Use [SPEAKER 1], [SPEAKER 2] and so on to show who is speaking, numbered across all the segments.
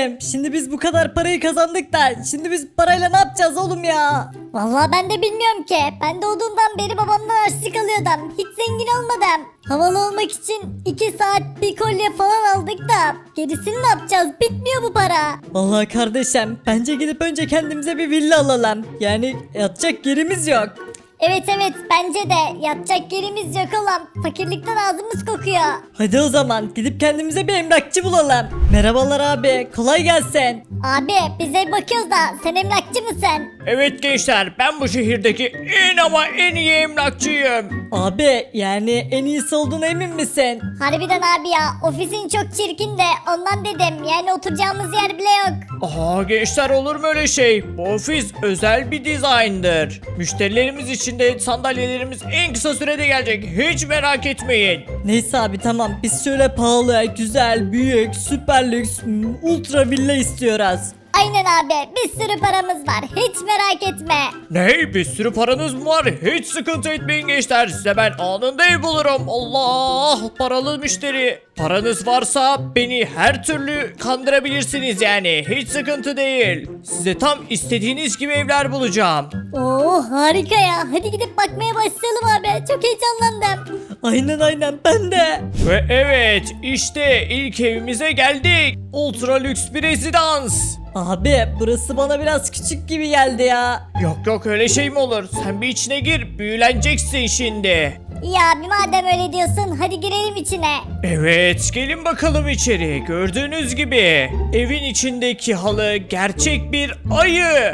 [SPEAKER 1] kardeşim. Şimdi biz bu kadar parayı kazandık da şimdi biz parayla ne yapacağız oğlum ya?
[SPEAKER 2] Vallahi ben de bilmiyorum ki. Ben doğduğumdan beri babamdan harçlık alıyordum. Hiç zengin olmadım. Havalı olmak için 2 saat bir kolye falan aldık da gerisini ne yapacağız? Bitmiyor bu para.
[SPEAKER 1] Vallahi kardeşim bence gidip önce kendimize bir villa alalım. Yani yatacak yerimiz yok.
[SPEAKER 2] Evet bence de yatacak yerimiz yok olan fakirlikten ağzımız kokuyor.
[SPEAKER 1] Hadi o zaman gidip kendimize bir emlakçı bulalım. Merhabalar abi, kolay gelsin.
[SPEAKER 2] Abi bize bakıyoruz da sen emlakçı mısın?
[SPEAKER 3] Evet gençler, ben bu şehirdeki en ama en iyi emlakçıyım.
[SPEAKER 1] Abi yani en iyisi olduğuna emin misin?
[SPEAKER 2] Harbiden abi ya ofisin çok çirkin de ondan dedim yani oturacağımız yer bile yok.
[SPEAKER 3] Aha gençler, olur mu öyle şey? Bu ofis özel bir dizayndır. Müşterilerimiz için de sandalyelerimiz en kısa sürede gelecek. Hiç merak etmeyin.
[SPEAKER 1] Neyse abi tamam biz şöyle pahalı, güzel, büyük, süper lüks, ultra villa istiyoruz.
[SPEAKER 2] Aynen abi bir sürü paramız var hiç merak etme.
[SPEAKER 3] Ne? Bir sürü paranız mı var? Hiç sıkıntı etmeyin gençler. Size ben anında ev bulurum. Allah! Paralı müşteri. Paranız varsa beni her türlü kandırabilirsiniz yani. Hiç sıkıntı değil. Size tam istediğiniz gibi evler bulacağım.
[SPEAKER 2] Oo harika ya hadi gidip bakmaya başlayalım abi çok heyecanlandım.
[SPEAKER 1] Aynen ben de.
[SPEAKER 3] Ve evet, işte ilk evimize geldik. Ultra lüks bir rezidans.
[SPEAKER 1] Abi burası bana biraz küçük gibi geldi ya.
[SPEAKER 3] Yok öyle şey mi olur? Sen bir içine gir, büyüleneceksin şimdi.
[SPEAKER 2] İyi abi madem öyle diyorsun hadi girelim içine.
[SPEAKER 3] Evet, gelin bakalım içeri. Gördüğünüz gibi evin içindeki halı gerçek bir ayı.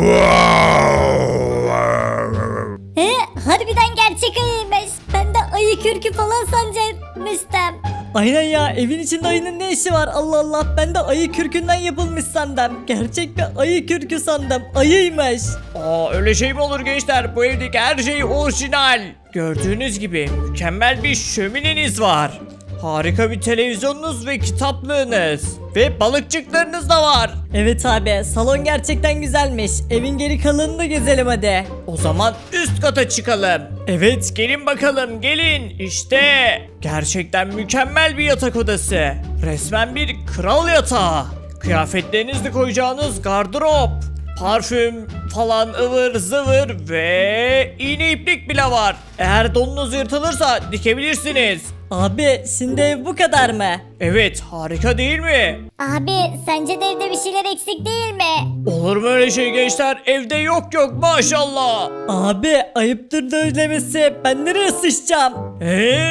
[SPEAKER 2] He harbiden gerçek ayıymış. Ben de ayı kürkü falan sanacakmıştım.
[SPEAKER 1] Aynen ya evin içinde ayının ne işi var Allah Allah ben de ayı kürkünden yapılmış sandım. Gerçek bir ayı kürkü sandım ayıymış.
[SPEAKER 3] Öyle şey mi olur gençler? Bu evdeki her şey orijinal. Gördüğünüz gibi mükemmel bir şömineniz var. Harika bir televizyonunuz ve kitaplığınız. Ve balıkçıklarınız da var.
[SPEAKER 1] Evet abi salon gerçekten güzelmiş. Evin geri kalanını da gezelim hadi.
[SPEAKER 3] O zaman üst kata çıkalım. Evet, gelin bakalım, gelin. İşte gerçekten mükemmel bir yatak odası. Resmen bir kral yatağı. Kıyafetlerinizi koyacağınız gardırop. Parfüm falan ıvır zıvır ve iğne iplik bile var. Eğer donunuz yırtılırsa dikebilirsiniz.
[SPEAKER 1] Abi şimdi ev bu kadar mı?
[SPEAKER 3] Evet, harika değil mi?
[SPEAKER 2] Abi sence de evde bir şeyler eksik değil mi?
[SPEAKER 3] Olur mu öyle şey gençler? Evde yok maşallah.
[SPEAKER 1] Abi ayıptır söylemesi ben nereye sıçacağım?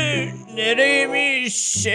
[SPEAKER 3] Nereymiş?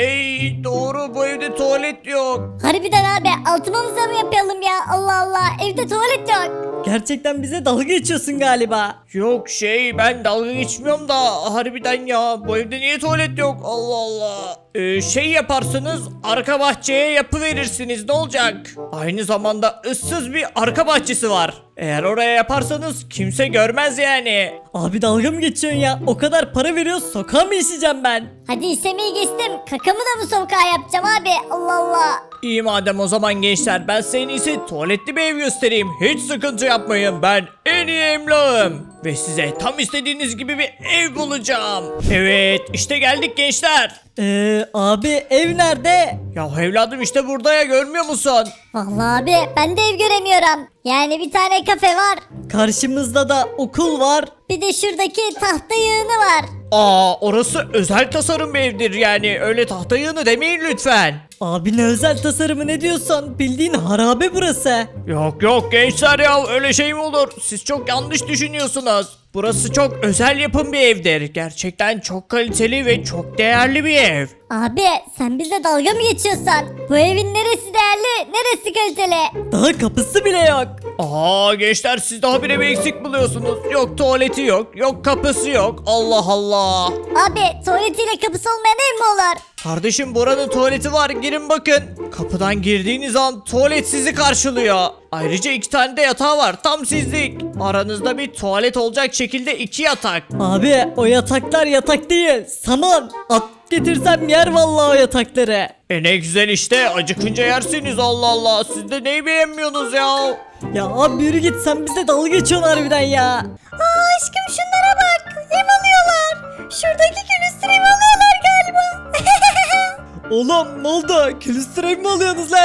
[SPEAKER 3] Doğru, bu evde tuvalet yok.
[SPEAKER 2] Harbiden abi altımıza mı yapalım ya Allah Allah evde tuvalet yok.
[SPEAKER 1] Gerçekten bize dalga geçiyorsun galiba.
[SPEAKER 3] Yok ben dalga geçmiyorum da harbiden ya, bu evde niye tuvalet yok? Allah Allah. Yaparsınız, arka bahçeye yapıverirsiniz, ne olacak? Aynı zamanda ıssız bir arka bahçesi var. Eğer oraya yaparsanız kimse görmez yani.
[SPEAKER 1] Abi dalga mı geçiyorsun ya? O kadar para veriyoruz sokağa mı işeceğim ben?
[SPEAKER 2] Hadi işemeyi geçtim kakamı da mı sokağa yapacağım abi Allah Allah.
[SPEAKER 3] İyi madem, o zaman gençler ben size en iyisi tuvaletli bir ev göstereyim. Hiç sıkıntı yapmayın, ben en iyi emlakım. Ve size tam istediğiniz gibi bir ev bulacağım. Evet, işte geldik gençler.
[SPEAKER 1] Abi ev nerede?
[SPEAKER 3] Ya evladım, işte burada ya, görmüyor musun?
[SPEAKER 2] Vallahi abi ben de ev göremiyorum. Yani bir tane kafe var.
[SPEAKER 1] Karşımızda da okul var.
[SPEAKER 2] Bir de şuradaki tahta yığını var.
[SPEAKER 3] Orası özel tasarım bir evdir yani, öyle tahta yığını demeyin lütfen.
[SPEAKER 1] Abi ne özel tasarımı ne diyorsun? Bildiğin harabe burası.
[SPEAKER 3] Yok gençler ya, öyle şey mi olur? Siz çok yanlış düşünüyorsunuz. Burası çok özel yapım bir evdir. Gerçekten çok kaliteli ve çok değerli bir ev.
[SPEAKER 2] Abi sen bize dalga mı geçiyorsun? Bu evin neresi değerli neresi kaliteli?
[SPEAKER 1] Daha kapısı bile yok.
[SPEAKER 3] Gençler, siz daha bire bir eksik buluyorsunuz. Yok tuvaleti yok kapısı yok. Allah Allah.
[SPEAKER 2] Abi tuvaletiyle kapısı olmayan ev mi olur?
[SPEAKER 3] Kardeşim, buranın tuvaleti var, girin bakın. Kapıdan girdiğiniz an tuvalet sizi karşılıyor. Ayrıca 2 tane de yatağı var, tam sizlik. Aranızda bir tuvalet olacak şekilde 2 yatak.
[SPEAKER 1] Abi o yataklar yatak değil. Saman. At getirsem yer vallahi o yatakları.
[SPEAKER 3] Ne güzel işte, acıkınca yersiniz, Allah Allah. Siz de neyi beğenmiyorsunuz ya?
[SPEAKER 1] Ya abi yürü git sen bize dalga geçiyorsun harbiden ya.
[SPEAKER 2] Aşkım şunlara bak ev alıyorlar. Şuradaki külüstür ev alıyorlar galiba.
[SPEAKER 1] Oğlum ne oldu? Külüstür ev mi alıyorsunuz lan?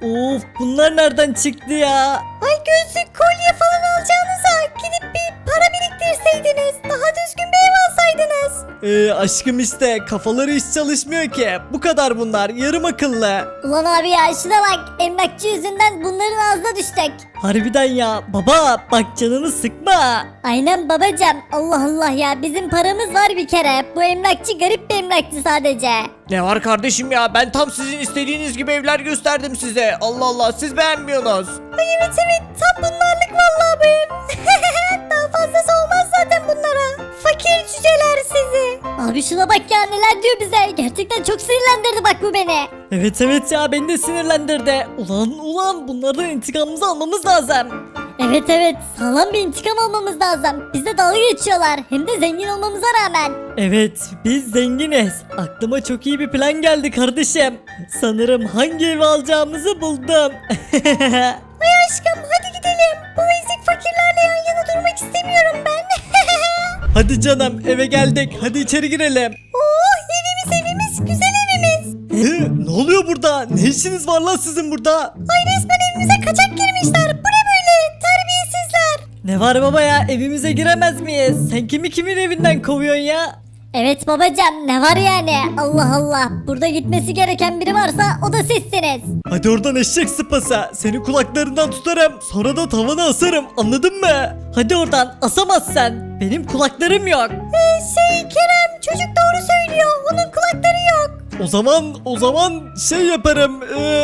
[SPEAKER 1] Of bunlar nereden çıktı ya?
[SPEAKER 2] Ay gözlük, kolye falan alacağınıza gidip bir para biriktirseydiniz. Daha düzgün bir ev alsaydınız.
[SPEAKER 1] Aşkım işte kafaları hiç çalışmıyor ki. Bu kadar bunlar yarım akıllı.
[SPEAKER 2] Ulan abi ya şuna bak, emlakçı yüzünden bunların ağzına düştük.
[SPEAKER 1] Harbiden ya baba bak canını sıkma.
[SPEAKER 2] Aynen babacım, Allah Allah ya, bizim paramız var bir kere. Bu emlakçı garip bir emlakçı sadece.
[SPEAKER 3] Ne var kardeşim ya, ben tam sizin istediğiniz gibi evler gösterdim size. Allah Allah, siz beğenmiyorsunuz.
[SPEAKER 2] Ay evet tam bunlarlık vallahi bu ev. Daha fazlası olmaz zaten bunlara. Fakir cüceler sizi. Abi şuna bak ya, neler diyor bize. Gerçekten çok sinirlendirdi bak bu beni.
[SPEAKER 1] Evet ya beni de sinirlendirdi. Ulan bunlardan intikamımızı almamız lazım.
[SPEAKER 2] Evet sağlam bir intikam almamız lazım. Bize dalga geçiyorlar, hem de zengin olmamıza rağmen.
[SPEAKER 1] Evet biz zenginiz. Aklıma çok iyi bir plan geldi kardeşim. Sanırım hangi evi alacağımızı buldum.
[SPEAKER 2] Ay aşkım hadi gidelim. Bu ezik fakirlerle yan yana durmak istemiyorum ben.
[SPEAKER 1] Hadi canım eve geldik. Hadi içeri girelim.
[SPEAKER 2] Oh evimiz güzel evimiz.
[SPEAKER 1] Ne oluyor burada? Ne işiniz var lan sizin burada?
[SPEAKER 2] Ay resmen evimize kaçak girmişler. Bu ne böyle, terbiyesizler.
[SPEAKER 1] Ne var baba ya evimize giremez miyiz? Sen kimin evinden kovuyorsun ya?
[SPEAKER 2] Evet babacığım, ne var yani, Allah Allah. Burada gitmesi gereken biri varsa o da sizsiniz.
[SPEAKER 1] Hadi oradan eşek sıpası. Seni kulaklarından tutarım. Sonra da tavana asarım. Anladın mı? Hadi oradan asamazsın. Benim kulaklarım yok.
[SPEAKER 2] Kerem çocuk doğru söylüyor, onun kulakları yok.
[SPEAKER 1] O zaman şey yaparım.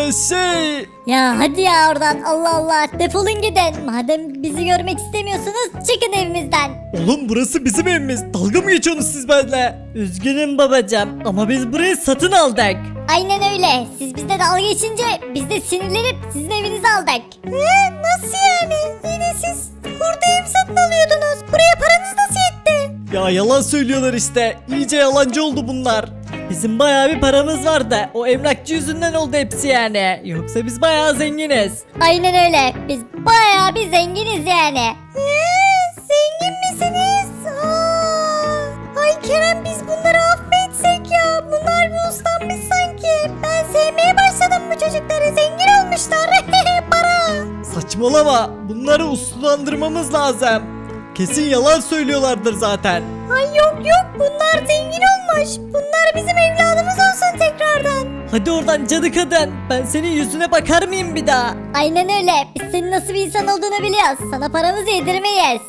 [SPEAKER 2] Ya hadi ya oradan, Allah Allah, defolun gidin. Madem bizi görmek istemiyorsunuz çıkın evimizden.
[SPEAKER 1] Oğlum burası bizim evimiz. Dalga mı geçiyorsunuz siz benimle? Üzgünüm babacığım ama biz burayı satın aldık.
[SPEAKER 2] Aynen öyle, siz bizde dalga geçince biz de sinirlenip sizin evinizi aldık. Nasıl yani, yine siz burada ev satın alıyordunuz, buraya paranız nasıl yetti?
[SPEAKER 1] Ya yalan söylüyorlar işte. İyice yalancı oldu bunlar. Bizim bayağı bir paramız vardı. O emlakçı yüzünden oldu hepsi yani. Yoksa biz bayağı zenginiz.
[SPEAKER 2] Aynen öyle, biz bayağı bir zenginiz yani. Zengin misiniz? Ay Kerem, biz bunları affetsek ya. Bunlar bir uslanmış sanki. Ben sevmeye başladım bu çocukları. Zengin olmuşlar. Para.
[SPEAKER 1] Saçmalama. Bunları uslandırmamız lazım. Kesin yalan söylüyorlardır zaten.
[SPEAKER 2] Ay yok bunlar zengin olmuş. Bunlar bizim evladımız olsun tekrardan.
[SPEAKER 1] Hadi oradan cadı kadın. Ben senin yüzüne bakar mıyım bir daha?
[SPEAKER 2] Aynen öyle. Biz senin nasıl bir insan olduğunu biliyoruz. Sana paramızı yedirmeyiz.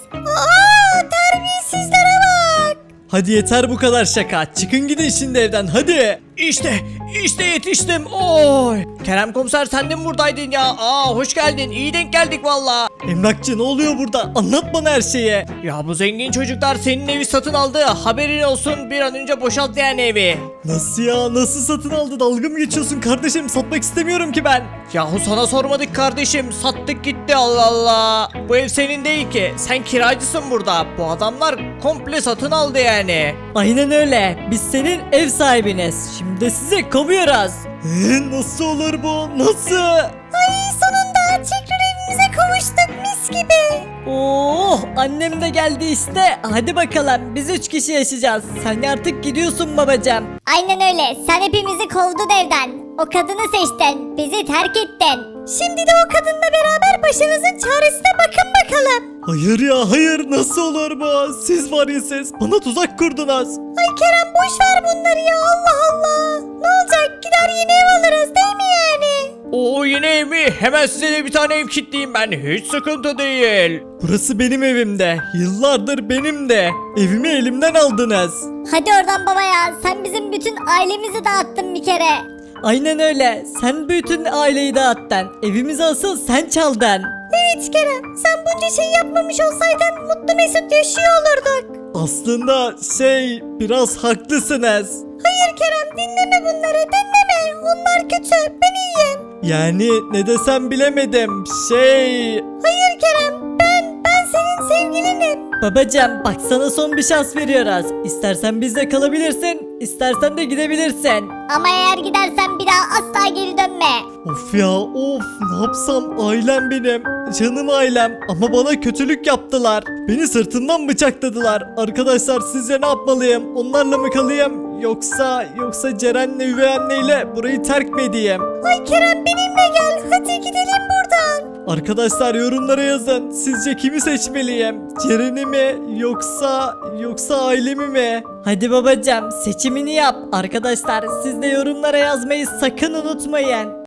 [SPEAKER 2] Terbiyesizlere bak.
[SPEAKER 1] Hadi yeter bu kadar şaka. Çıkın gidin şimdi evden hadi.
[SPEAKER 3] İşte yetiştim. Oy. Kerem komiser, sen de mi buradaydın ya? Hoş geldin. İyi denk geldik valla.
[SPEAKER 1] Emlakçı ne oluyor burada? Anlat bana her şeyi.
[SPEAKER 3] Ya bu zengin çocuklar senin evi satın aldı. Haberin olsun, bir an önce boşalt yani evi.
[SPEAKER 1] Nasıl ya? Nasıl satın aldı? Dalga mı geçiyorsun kardeşim? Satmak istemiyorum ki ben.
[SPEAKER 3] Yahu sana sormadık kardeşim. Sattık gitti, Allah Allah. Bu ev senin değil ki. Sen kiracısın burada. Bu adamlar komple satın aldı yani.
[SPEAKER 1] Aynen öyle. Biz senin ev sahibiniz. Şimdi de sizi kovuyoruz. Nasıl olur bu? Nasıl?
[SPEAKER 2] Ay sonunda tekrar evimize kavuştuk mis gibi.
[SPEAKER 1] Oh annem de geldi işte. Hadi bakalım biz 3 kişi yaşayacağız. Sen artık gidiyorsun babacığım.
[SPEAKER 2] Aynen öyle. Sen hepimizi kovdun evden. O kadını seçtin. Bizi terk ettin. Şimdi de o kadınla beraber başınızın çaresine bakın bakalım.
[SPEAKER 1] Hayır ya hayır nasıl olur bu? Siz var ya siz bana tuzak kurdunuz.
[SPEAKER 2] Ay Kerem boş ver bunları ya, Allah Allah. Ne olacak, gider yeni ev alırız değil mi yani?
[SPEAKER 3] O yeni ev mi? Hemen size de bir tane ev kilitleyeyim ben. Hiç sıkıntı değil.
[SPEAKER 1] Burası benim evimde. Yıllardır benim de. Evimi elimden aldınız.
[SPEAKER 2] Hadi oradan baba ya, sen bizim bütün ailemizi dağıttın bir kere.
[SPEAKER 1] Aynen öyle. Sen bütün aileyi dağıttın. Evimizi asıl sen çaldın.
[SPEAKER 2] Evet Kerem, sen bunca şey yapmamış olsaydın mutlu mesut yaşıyor olurduk.
[SPEAKER 1] Aslında biraz haklısınız.
[SPEAKER 2] Hayır Kerem, dinleme bunları, dinleme. Onlar kötü, ben iyiyim.
[SPEAKER 1] Yani ne desem bilemedim.
[SPEAKER 2] Hayır Kerem, ben senin sevgilinim.
[SPEAKER 1] Babacım bak sana son bir şans veriyoruz. İstersen bizde kalabilirsin, istersen de gidebilirsin.
[SPEAKER 2] Ama eğer gidersen bir daha asla geri dönme.
[SPEAKER 1] Of ya of ne yapsam ailem benim. Canım ailem ama bana kötülük yaptılar. Beni sırtımdan bıçakladılar. Arkadaşlar sizce ne yapmalıyım? Onlarla mı kalayım yoksa Ceren'le üvey anneyle burayı terk mi edeyim?
[SPEAKER 2] Ay Kerem benimle gel. Hadi gidelim buradan.
[SPEAKER 1] Arkadaşlar yorumlara yazın. Sizce kimi seçmeliyim? Ceren'i mi yoksa ailemi mi? Hadi babacığım seçimini yap. Arkadaşlar siz de yorumlara yazmayı sakın unutmayın.